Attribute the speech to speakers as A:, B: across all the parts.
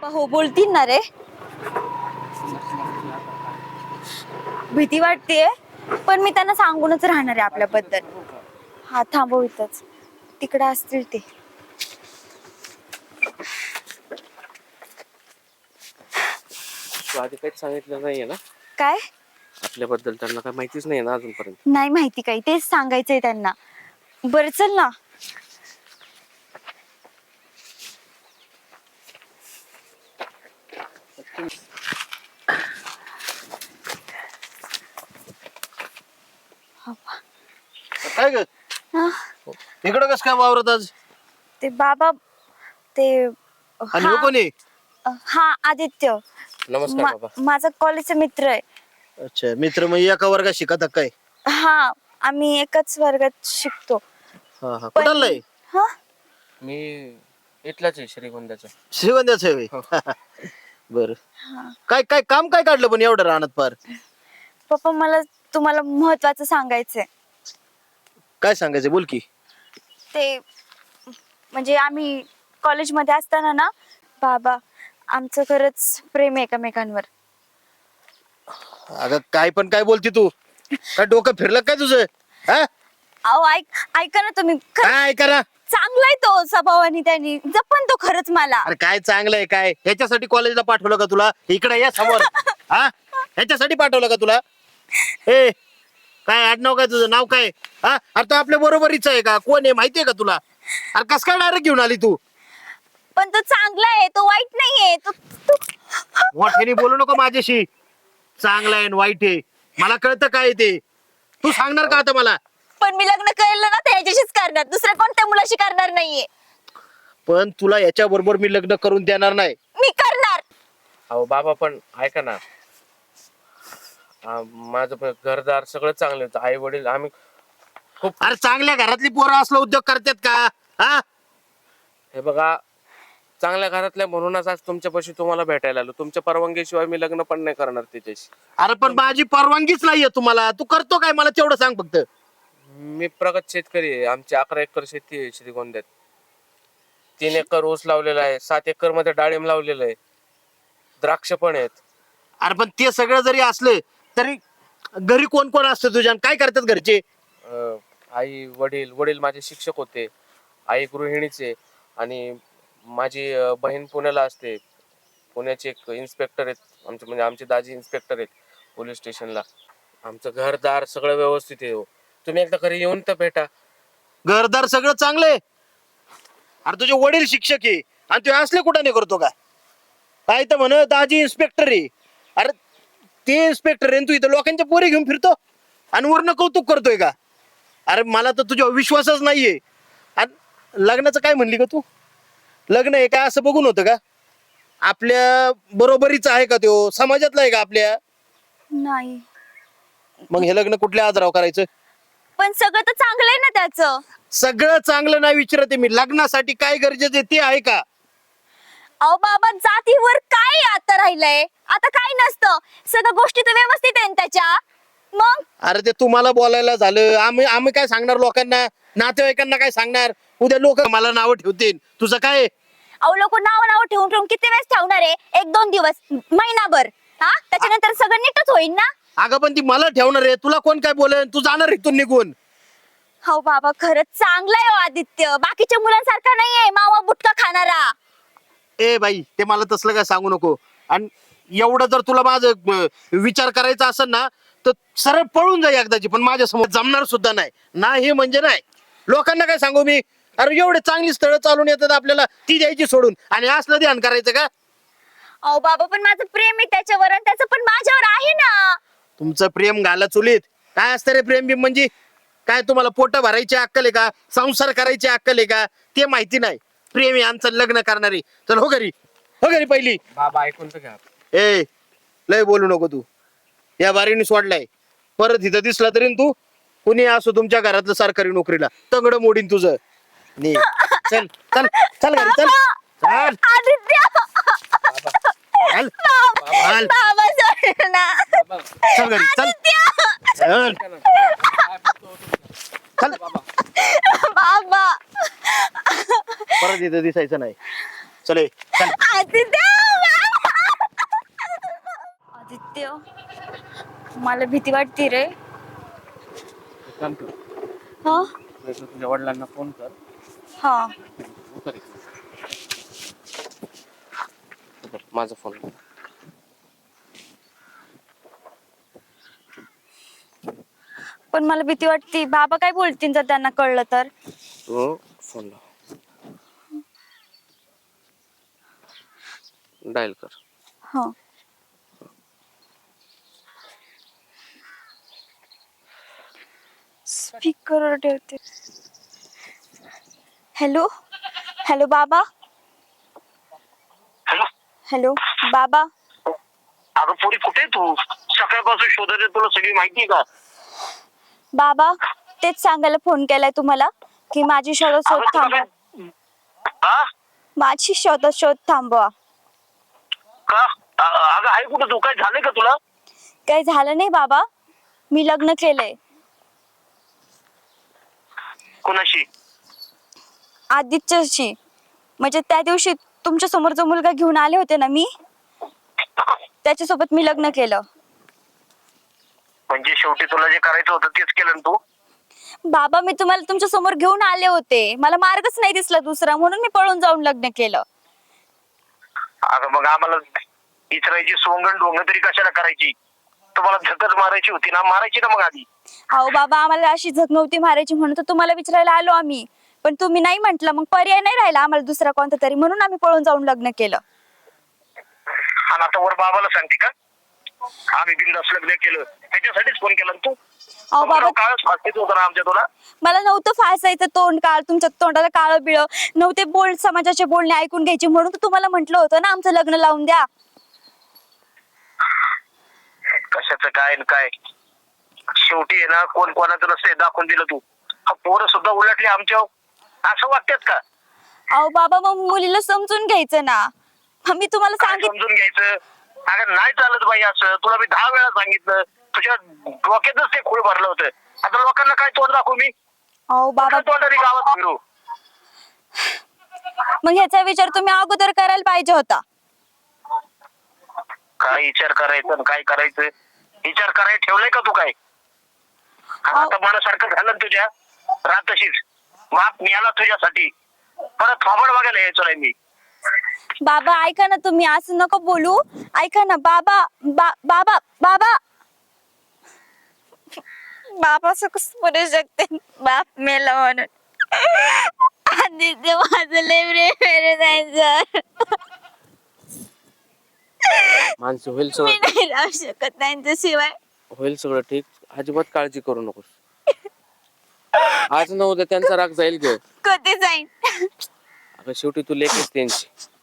A: हो बोलतील ना रे. भीती वाटतेय पण मी त्यांना सांगूनच राहणार आहे आपल्याबद्दल. हा थांबव इथंच, तिकडे असतील ते.
B: तू आधी काहीच सांगितलं नाहीये ना
A: काय
B: आपल्याबद्दल? त्यांना काय माहितीच नाही ना अजूनपर्यंत?
A: नाही माहिती काही, तेच सांगायचंय त्यांना. बरं चल ना.
C: काय ग
A: हा,
C: इकडं कस काय वावरत आज?
A: ते बाबा ते
C: आणि हो कोणी?
A: हा आदित्य.
B: नमस्कार बाबा.
A: माझा कॉलेजचा मित्र आहे.
C: अच्छा, मित्र मग एका वर्गात शिकत काय?
A: हा, आम्ही एकाच वर्गात शिकतो.
C: हा हा, कुठाला आहे?
A: हा,
B: मी इथलाच आहे श्रीगोंद्याचा.
C: श्रीगोंद्याच आहे
B: हो.
C: बर. काय काय काम काय काढलं पण एवढं राहणार पार?
A: पप्पा मला तुम्हाला महत्वाचं सांगायचंय.
C: काय सांगायचं बोल की.
A: ते म्हणजे आम्ही कॉलेजमध्ये असताना ना बाबा, आमचं खरंच प्रेम आहे एकमेकांवर.
C: अगं काय पण काय बोलती तू? काय डोकं फिरलं काय तुझं? हा,
A: अहो ऐका ना तुम्ही.
C: काय करा?
A: चांगला आहे तो स्वभावाने, त्यांनी जपन तो खरंच मला.
C: अरे काय चांगलं आहे काय? ह्याच्यासाठी कॉलेजला पाठवलं का तुला? इकडे या समोर. हा, ह्याच्यासाठी पाठवलं का तुला? ए, काय आडनाव काय तुझं? नाव काय? हा, अरे तो आपल्या बरोबरीच आहे का? कोण आहे माहितीये का तुला? अरे कस काय डायरेक्ट घेऊन आली तू?
A: पण तो चांगला आहे, तो वाईट नाहीये.
C: मोठ्याने बोलू नको माझ्याशी. चांगला आहे आणि वाईट आहे मला कळतं काय ते. तू सांगणार का आता मला?
A: पण मी लग्न केलं ना तर ह्याच्याशीच करणार, दुसऱ्या कोणत्या मुलाशी करणार नाहीये.
C: पण तुला याच्या बरोबर मी लग्न करून देणार नाही.
A: मी करणार.
B: अहो बाबा पण ऐका ना, माझं पण घरदार सगळं चांगलं होतं. आई वडील आम्ही खूप.
C: अरे चांगल्या घरातली पोरं असलं उद्योग करतात का? हा,
B: हे बघा, चांगल्या घरातल्या म्हणूनच आज तुमच्यापाशी तुम्हाला भेटायला आलो. तुमच्या परवानगीशिवाय मी लग्न पण नाही करणार तिच्याशी.
C: अरे पण माझी परवानगीच नाहीये तुम्हाला. तू करतो काय मला तेवढं सांग फक्त.
B: मी प्रगत शेतकरी आहे. आमची 11 एकर शेती आहे श्रीगोंद्यात. 3 एकर ऊस लावलेला आहे, 7 एकर मध्ये डाळिंब लावलेलं आहे, द्राक्ष पण आहेत.
C: अरे पण ते सगळं जरी असलं तरी घरी कोण कोण असतं तुझ्या? आणि काय करतात घरचे?
B: आई वडील, वडील माझे शिक्षक होते, आई गृहिणीचे, आणि माझी बहीण पुण्याला असते. पुण्याचे एक इन्स्पेक्टर आहेत आमचे, म्हणजे आमचे दाजी इन्स्पेक्टर आहेत पोलीस स्टेशनला. आमचं घरदार सगळं व्यवस्थित आहे हो. तुम्ही एकदा घरी येऊन तर भेटा.
C: घरदार सगळं चांगलंय. अरे तुझे वडील शिक्षक आहे आणि तू असले कुठं नाही करतो का? काय तर म्हण दाजी इन्स्पेक्टर आहे. अरे ते इन्स्पेक्टर आहे, तू इथं लोकांच्या पोरी घेऊन फिरतो आणि वरनं कौतुक करतोय का? अरे मला तर तुझ्यावर विश्वासच नाहीये. आणि लग्नाचं काय म्हणली का तू? लग्न आहे काय असं बघून होतं का? आपल्या बरोबरीच आहे का? तो समाजातला आहे का आपल्या?
A: नाही,
C: मग हे लग्न कुठल्या आजारावर करायचं?
A: पण सगळं तर चांगलं आहे ना त्याचं.
C: सगळं चांगलं नाही विचारते मी. लग्नासाठी काय गरजेचं आहे ते आहे का?
A: अहो बाबा, जातीवर काय आता राहिलंय? आता काय नसतं, सगळ्या गोष्टी तर व्यवस्थित आहे ना त्याच्या. मग
C: अरे ते तुम्हाला बोलायला झालं. आम्ही आम्ही काय सांगणार लोकांना? नातेवाईकांना काय सांगणार? उद्या लोक मला नावं ठेवतील. तुझं काय?
A: अहो लोक नाव ठेवून ठेवून किती वेळेस ठेवणार आहे? 1-2 दिवस, महिनाभर. हा, त्याच्यानंतर सगळं नीटच होईल ना.
C: अगं पण ती मला ठेवणार आहे. तुला कोण काय बोलेल? तू जाणार इथून निघून.
A: हो बाबा, खरंच चांगला आहे हो आदित्य. बाकीच्या मुलांसारखा नाहीये मावा बुटका खाणारा.
C: ए बाई, ते मला तसलं काय सांगू नको. आणि एवढं जर तुला माझं विचार करायचा असेल ना तर सरळ पळून जाई एकदाची. पण माझ्या समोर जमणार सुद्धा नाही. नाही म्हणजे नाही. लोकांना काय सांगू मी? अरे एवढे चांगली स्थळं चालून येतात आपल्याला, ती द्यायची सोडून आणि असलं ध्यान करायचं का?
A: अहो बाबा, पण माझं प्रेम आहे त्याच्यावर आणि त्याचं पण माझ्यावर आहे ना.
C: तुमचं प्रेम घाला चुलीत. काय असतं रे प्रेम बिम म्हणजे? काय तुम्हाला पोट भरायची अक्कल आहे का? संसार करायची अक्कल आहे का? ते माहिती नाही. प्रेम आहे आमचं लग्न करणारी. चल हो घरी, हो घरी पहिली.
B: बाबा ऐकून तर घ्या.
C: ए, लय बोलू नको तू. या बारीने सोडलाय. परत इथं दिसला तरी तू कुणी असो तुमच्या घरातलं सरकारी नोकरीला तंगड मोडीन तुझं. नी चल चल चल घरी चल. चल
A: आदित्य,
C: चल चल
A: बाबा सोड ना.
C: चल घरी चल. चल चल
A: बाबा,
C: परत इथं दिसायचं नाही. चल ए, चल.
A: आदित्य. मला भीती वाटते रे.
B: एक काम कर,
A: हा
B: तू एकदा तुझ्या वडिलांना फोन कर.
A: हा
B: उतर इकडे. उतर, माझा फोन.
A: पण मला भीती वाटते. बाबा काय बोलतील जर त्यांना कळलं तर.
B: तू फोन लाव, डायल कर.
A: हा स्पीकर ठेवते. हॅलो हॅलो बाबा.
C: हॅलो
A: हॅलो बाबा.
C: अगं पोरी कुठे आहे तू? सकाळपासून शोधत आहे, तुला सगळी माहिती आहे का?
A: बाबा तेच सांगायला फोन केलाय तुम्हाला की माझी शोध थांबवा.
C: हा?
A: माझी शोध थांबवा.
C: का? अगं आहे कुठं तू? काय झालंय का तुला?
A: काही झालं नाही बाबा. मी लग्न केलंय
C: कोणाशी?
A: आदित्यशी. म्हणजे त्या दिवशी तुमच्या समोर जो मुलगा घेऊन आले होते ना मी, त्याच्यासोबत मी लग्न केलं.
C: म्हणजे शेवटी तुला जे करायचं होतं तेच केलं ना तू?
A: बाबा मी तुम्हाला तुमच्या समोर घेऊन आले होते, मला मार्गच नाही दिसला दुसरा, म्हणून मी पळून जाऊन लग्न केलं.
C: अगं मग आम्हाला इचरायची सोंगण ढोंग तरी कशाला करायची? तुम्हाला झकच मारायची होती ना, मारायची ना मग आधी.
A: अहो बाबा आम्हाला अशी झक नव्हती मारायची, म्हणून तर तुम्हाला विचारायला आलो आम्ही. पण तुम्ही नाही म्हंटल, मग पर्याय नाही राहिला आम्हाला दुसरा कोणता तरी, म्हणून आम्ही पळून जाऊन लग्न केलं.
C: आणि आता वर बाबाला सांगते का आम्ही बिनधास्त लग्न केलं? त्याच्यासाठीच फोन केला ना तू?
A: अहो बाबा
C: काळच फासतीच होतं ना आमच्या तुला.
A: मला नव्हतं फासायचं तोंड काळ, तुमच्या तोंडाला काळं बिळ नव्हते. समाजाचे बोलणे ऐकून घ्यायचे, म्हणून तर तुम्हाला म्हंटल होतं ना आमचं लग्न लावून द्या.
C: कशाचं काय न काय, शेवटी आहे ना कोण कोणाचं नसते दाखवून दिलं तू. पोरं सुद्धा उलटली आमच्या, असं वाटतात का?
A: अहो बाबा मग मुलीला समजून घ्यायचं ना. मी तुम्हाला
C: काय
A: सांगितलं.
C: समजून घ्यायचं? अगं नाही चालत बाई असं, तुला मी 10 वेळा सांगितलं. तुझ्या डोक्यातच ते खूळ भरलं होतं. आता लोकांना काय तोंड दाखवू मी?
A: अहो बाबा
C: तोंडाने गावात फिरू?
A: मग ह्याचा विचार तुम्ही अगोदर करायला पाहिजे होता.
C: काय विचार करायचं आणि काय करायचं? विचार करायला ठेवलंय का तू काय? आणि आता मनासारखं झालं ना तुझ्या, रात तशीच माप मिळाला तुझ्यासाठी. परत थोबड बघायला यायचो नाही मी.
A: बाबा ऐका ना, तुम्ही असं नको बोलू. ऐका ना बाबा. बाबा बाबा बाबा असं कसं बोलू शकते? बाप मेला म्हणून. आणि ते माझं लय प्रेम जायचं.
B: माणसं होईल
A: मी
B: सगळं,
A: नाही राहू शकत त्यांच्याशिवाय.
B: होईल सगळं ठीक. अजिबात काळजी करू नकोस. आज न उद्या त्यांचा राग जाईल ग.
A: कधी जाईन?
B: अगं शेवटी तू लेकीस त्यांची,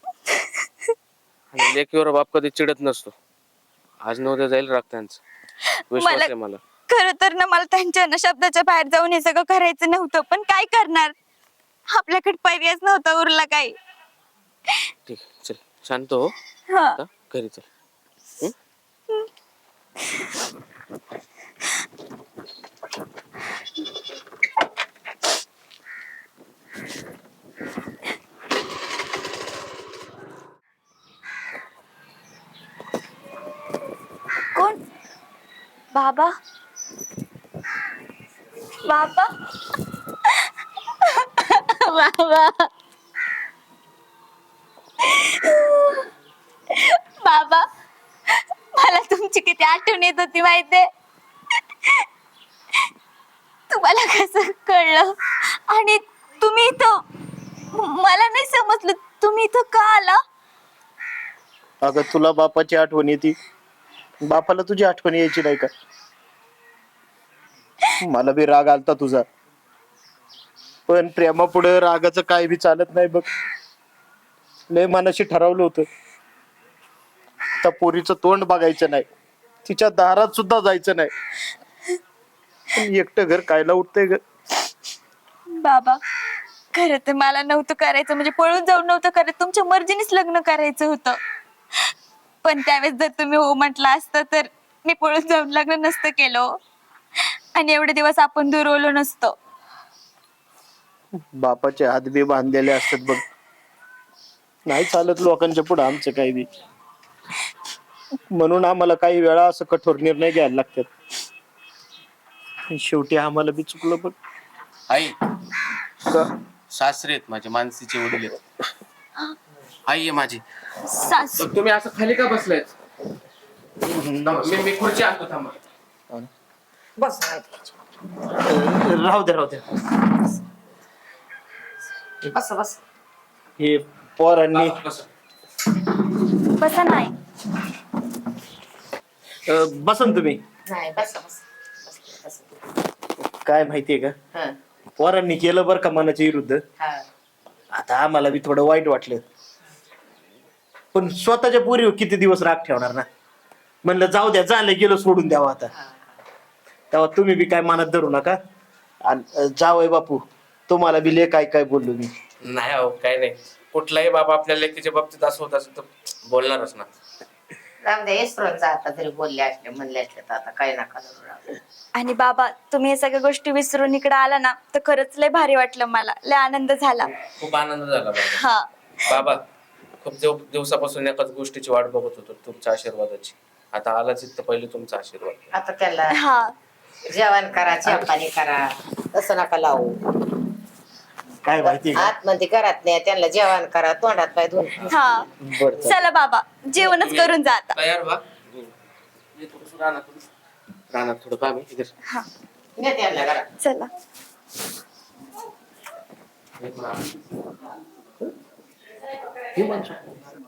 B: आणि लेकीवर बाप कधी चिडत नसतो. आज न उद्या जाईल राग त्यांचा, विश्वास आहे मला.
A: खरं तर ना मला त्यांच्या ना शब्दाच्या बाहेर जाऊन हे सगळं करायचं नव्हतं, पण काय करणार, आपल्याकडे पर्यायच नव्हता उरला काही.
B: ठीक आहे, चल शांत हो.
A: हा
B: आता घरी चल.
A: कोण? बाबा बाबा बाबा बाबा मला तुमची किती आठवण येत होती माहितीये. तुम्हाला कसं कळलं? आणि तुम्ही इथं, मला नाही समजलं तुम्ही इथं का आला?
C: अगं तुला बापाची आठवण येते, बापाला तुझी आठवण यायची नाही का? मला बी राग आलता तुझा, पण प्रेमापुढे रागाचं काय बी चालत नाही बघ. लय मनाशी ठरवलं होतं, त्या पोरीचं तोंड बघायचं नाही, तिच्या दारात सुद्धा जायचं नाही. पण एकटं घर कायला उठतंय ग?
A: बाबा खरं तर मला नव्हतं करायचं, म्हणजे पळून जाऊन नव्हतं करत, तुमच्या मर्जीनेच लग्न करायचं होतं. पण त्यावेळेस जर तुम्ही हो म्हटलं असतं तर मी पळून जाऊन लग्न नसतं केलं, आणि एवढे दिवस आपण दुरवलो नसतो.
C: बापाचे हात बी बांधलेले असतात बघ, नाही चालत लोकांच्या पुढे आमचं काही बी. म्हणून आम्हाला काही वेळा असं कठोर निर्णय घ्यायला लागतात. आणि शेवटी आम्हाला बी चुकलं बघ.
B: आई
C: का?
B: सासरे आहेत माझे, मानसीचे वडील आहेत. आई आहे माझी.
A: सासू
B: तर तुम्ही असं खाली का बसलायत? मी खुर्ची आणतो, थांबा.
D: बस
C: राहू द्या राहू द्या.
D: बस बस.
C: हे पोरांनी
A: बसा नाही.
C: बसा ना तुम्ही.
D: नाही बस बस बस.
C: काय माहितीये का,
D: हा
C: पोरांनी केलं बरं का मनाच्या विरुद्ध.
D: हा
C: आता आम्हाला बी थोडं वाईट वाटलं, पण स्वतःच्या पोरीवर किती दिवस राग ठेवणार ना. म्हणलं जाऊ द्या, झालं गेलं, सोडून द्यावं आता. तेव्हा तुम्ही बी काय मनात धरू नका. आणि जावय बापू, तुम्हाला बी लय काय काय बोललो मी.
B: नाही अहो, काय नाही. कुठलाही बाबा आपल्या लेकीच्या बाबतीत असं होत असेल तर बोलणारच ना.
D: राम दे इसरोचा आता तरी बोलले असले म्हणले असले तर आता काय नका करू राव.
A: आणि बाबा तुम्ही हे सगळ्या गोष्टी विसरून इकडे आला ना तर खरंच लय भारी वाटलं, मला लय आनंद झाला.
B: खूप आनंद झाला बाबा.
A: हा
B: बाबा खूप दिवसापासून एकाच गोष्टीची वाट बघत होतो, तुमच्या आशीर्वादाची. आता आलाच इथं पहिले तुमचा आशीर्वाद.
D: आता त्याला
A: हा
D: जेवण करा, चहा पाणी करा, तसं नका लावू.
C: काय माहितीये का,
D: आतमध्ये घरात नाही, त्यांना जेवण करा, तोंडात पाय धुवून.
A: हा
C: बरं चालेल.
A: चला बाबा, जेवणच करून जा आता.
B: तयार व्हा. ये थोडंसं रानात थोडं काम आहे इधर.
A: हा
D: नाही त्यांना घरात.
A: चला.
B: हे माणसं.